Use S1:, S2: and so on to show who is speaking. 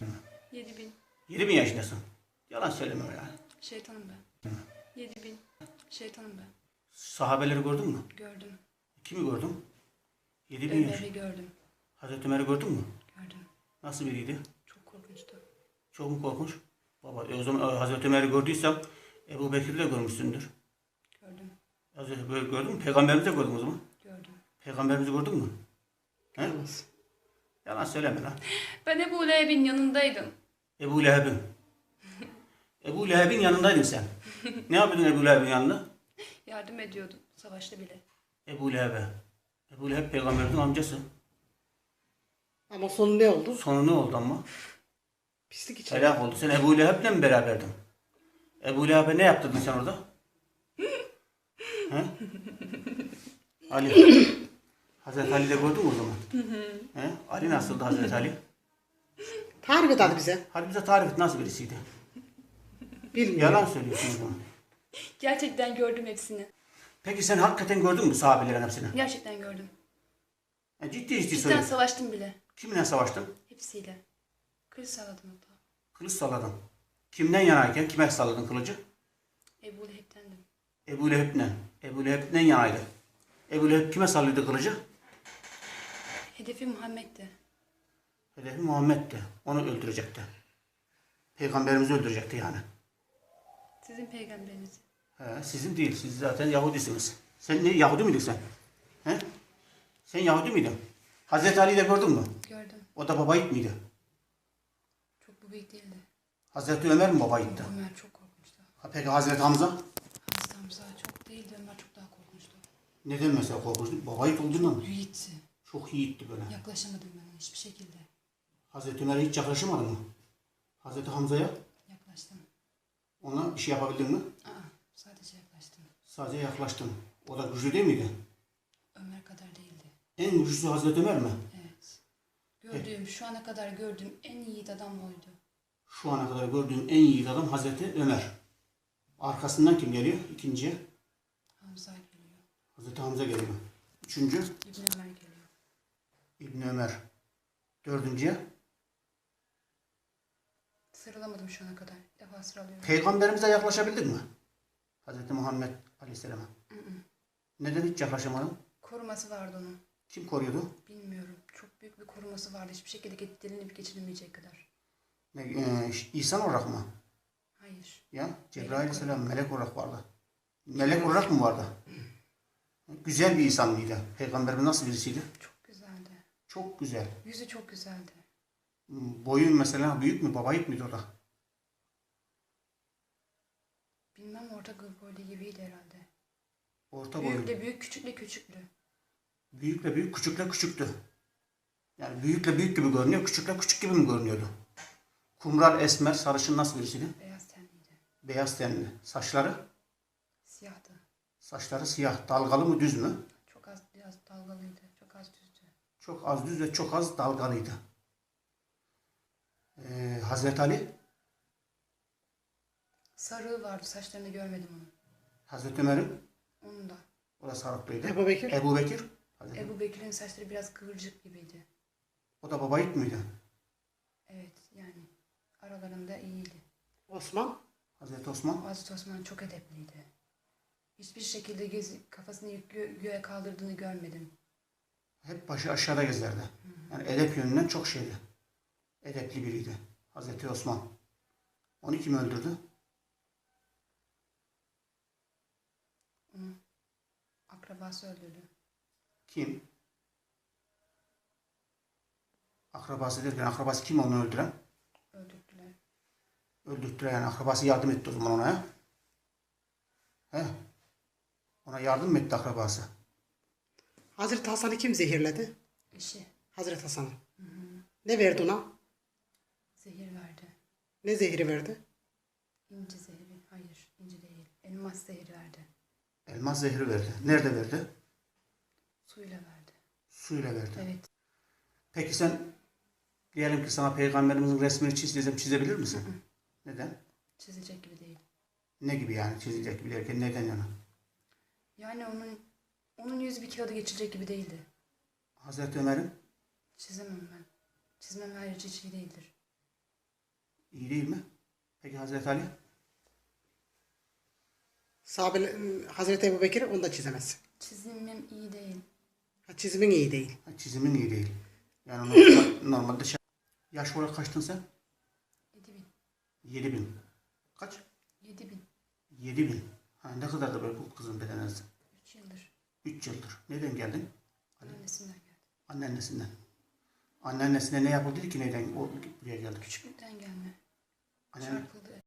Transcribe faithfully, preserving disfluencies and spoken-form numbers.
S1: Yedi bin.
S2: Yedi bin yaşındasın. Yalan söyleme ya.
S1: Şeytanım ben. Yedi bin. Şeytanım ben.
S2: Sahabeleri gördün mü?
S1: Gördüm.
S2: Kimi gördün? Yedi bin yaş.
S1: Ömer'i gördüm.
S2: Hazreti Ömer'i gördün mü?
S1: Gördüm.
S2: Nasıl biriydi?
S1: Çok korkunçtu.
S2: Çok mu korkunç? Baba e o zaman e, Hazreti Ömer'i gördüysem Ebu Bekir'i de görmüşsündür.
S1: Gördüm.
S2: Hazreti böyle gördün mü? Peygamberimizi de gördün o zaman.
S1: Gördüm.
S2: Peygamberimizi gördün mü? He?
S3: Olmaz.
S2: Yalan söyleme lan.
S1: Ben Ebu Leheb'in yanındaydım.
S2: Ebu Leheb'in. Ebu Leheb'in yanındaydın sen. Ne yapıyordun Ebu Leheb'in yanında?
S1: Yardım ediyordum. Savaşta bile.
S2: Ebu Leheb'e. Ebu Leheb peygamberin amcası.
S3: Ama sonu ne oldu?
S2: Sonu ne oldu ama?
S3: Pislik içeri.
S2: Helak oldu. Sen Ebu Leheb'le mi beraberdin? Ebu Leheb'e ne yaptırdın sen orada? He? Ali. Hazreti Ali de gördün mü o zaman? He? Ali nasıldı Hazreti Ali?
S3: Tarif et hadi bize.
S2: Hadi bize tarif et nasıl birisiydi?
S3: Bilmiyorum.
S2: Yalan söylüyorsun o zaman.
S1: Gerçekten gördüm hepsini.
S2: Peki sen hakikaten gördün mü sahabelerin hepsini?
S1: Gerçekten gördüm.
S2: Yani ciddi ciddi
S1: Cidden
S2: söyle.
S1: savaştım bile.
S2: Kiminle savaştın?
S1: Hepsiyle. Kılıç salladım hatta.
S2: Kılıç salladın. Kimden yanayken kime salladın kılıcı?
S1: Ebu Leheb'tendim.
S2: Ebu Leheb'le. Ebu Leheb'den yanaydı. Ebu Leheb kime sallıyordu kılıcı?
S1: Hedefi Muhammed'di.
S2: Hedefi Muhammed'di. Onu öldürecekti. Peygamberimizi öldürecekti yani.
S1: Sizin peygamberiniz.
S2: He, sizin değil. Siz zaten Yahudisiniz. Sen ne Yahudi miydin sen? He? Sen Yahudi miydin? Hazreti Ali'yi de gördün mü?
S1: Gördüm.
S2: O da baba yiğit miydi?
S1: Çok bu büyük değildi.
S2: Hazreti Ömer mi baba yiğitti?
S1: Ömer çok korkunçtu.
S2: Ha, peki Hazreti Hamza?
S1: Hazreti Hamza çok değildi. Ömer çok daha korkunçtu.
S2: Neden mesela korkunçtu? Baba yiğit olduğundan mı?
S1: Yiğitti.
S2: Çok yiğitti böyle.
S1: Yaklaşamadım ben ona hiçbir şekilde.
S2: Hazreti Ömer'e hiç yaklaşamadın mı? Hazreti Hamza'ya
S1: Yaklaştım.
S2: ona bir şey yapabildin mi?
S1: Aa, sadece yaklaştım.
S2: Sadece yaklaştın. O da güçlü değil miydi?
S1: Ömer kadar değildi.
S2: En güçlüsü Hazreti Ömer mi?
S1: Evet. Gördüğüm, şu ana kadar gördüğüm en yiğit adam oydu.
S2: Şu ana kadar gördüğüm en yiğit adam Hazreti Ömer. Arkasından kim geliyor? İkinciye
S1: Hamza geliyor.
S2: Hazreti Hamza geliyor. Üçüncü
S1: İbn Ömer geliyor.
S2: İbni Ömer. Dördüncüye
S1: Sıralamadım şu ana kadar. Bir defa sıralıyorum.
S2: Peygamberimize yaklaşabildin mi? Hazreti Muhammed Aleyhisselam'a. Neden hiç yaklaşamadın?
S1: Koruması vardı onun.
S2: Kim koruyordu?
S1: Bilmiyorum. Çok büyük bir koruması vardı. Hiçbir şekilde dilinip geçirilmeyecek kadar.
S2: Ne, e, İnsan olarak mı?
S1: Hayır.
S2: Ya Cebrail Aleyhisselam melek olarak vardı. Melek olarak mı vardı? Güzel bir insan mıydı? Peygamberimiz nasıl birisiydi?
S1: Çok güzeldi.
S2: Çok güzel.
S1: Yüzü çok güzeldi.
S2: Boyun mesela büyük mü? Baba yiğit miydi o da?
S1: Bilmem orta boylu gibiydi herhalde.
S2: Orta boylu.
S1: Büyükle büyük, küçükle küçüklü.
S2: Büyükle büyük, küçükle küçüktü. Yani büyükle büyük gibi görünüyor, küçükle küçük gibi mi görünüyordu? Kumral, esmer, sarışın nasıl birisiydi?
S1: Beyaz tenliydi.
S2: Beyaz tenli. Saçları?
S1: Siyahtı.
S2: Saçları siyah. Dalgalı mı, düz mü?
S1: Çok az biraz dalgalıydı. Çok az düzdü.
S2: Çok az düz ve çok az dalgalıydı. Ee, Hazreti Ali?
S1: Sarığı vardı. Saçlarını görmedim onun.
S2: Hazreti Ömer'in?
S1: Onun da.
S2: O da sarıklıydı.
S3: Ebu Bekir.
S2: Ebu Bekir? Hazreti-
S1: Ebu Bekir'in saçları biraz kıvırcık gibiydi.
S2: O da baba yiğit miydi?
S1: Evet yani aralarında iyiydi.
S3: Osman.
S2: Hazreti Osman?
S1: Hazreti Osman çok edepliydi. Hiçbir şekilde gezi, kafasını gö- göğe kaldırdığını görmedim.
S2: Hep başı aşağıda gezerdi. Yani edep yönünden çok şeydi. Edepli biriydi. Hazreti Osman. Onu kim öldürdü?
S1: Onu akrabası öldürdü.
S2: Kim? Akrabası derken akrabası kim onu öldüren?
S1: Öldürdüler.
S2: Öldürttüler yani akrabası yardım etti o zaman ona ya. He? Ona yardım mı etti akrabası?
S3: Hazreti Hasan'ı kim zehirledi?
S1: Eşi
S3: Hazreti Hasan'ı. Ne verdi ona?
S1: zehir verdi.
S3: Ne zehri verdi?
S1: İnci zehri. Hayır, inci değil. Elmas zehri verdi.
S2: Elmas zehri verdi. Nerede verdi?
S1: Suyla verdi.
S2: Suyla verdi.
S1: Evet.
S2: Peki sen diyelim ki sana peygamberimizin resmini çiz desem çizebilir misin? Neden?
S1: Çizilecek gibi değil.
S2: Ne gibi yani çizilecek gibi derken neden yana?
S1: Yani onun onun yüzü bir kağıda geçirecek gibi değildi.
S2: Hazreti Ömer'in
S1: Çizemem ben. Çizmem harici hiç iyi değildir.
S2: değil mi? Peki Hazreti Ali?
S3: Sahabe, Hazreti Ebu Bekir'i onu da çizemezsin.
S1: Çizimim iyi değil.
S3: Ha, çizimin iyi değil.
S2: Ha, çizimin iyi değil. Yani normal- normalde şey... Yaş olarak kaçtın sen?
S1: Yedi bin.
S2: Yedi bin. Kaç?
S1: Yedi bin.
S2: Yedi bin. Ha, ne kadar da böyle bu kızın bedeni?
S1: Üç yıldır.
S2: Üç yıldır. Nereden geldin?
S1: Annesinden geldi.
S2: Anneannesinden. Anneannesine ne yapıldı ki neden o buraya geldi?
S1: Küçüklükten gelme.
S2: Annen,
S1: Çarpıldı.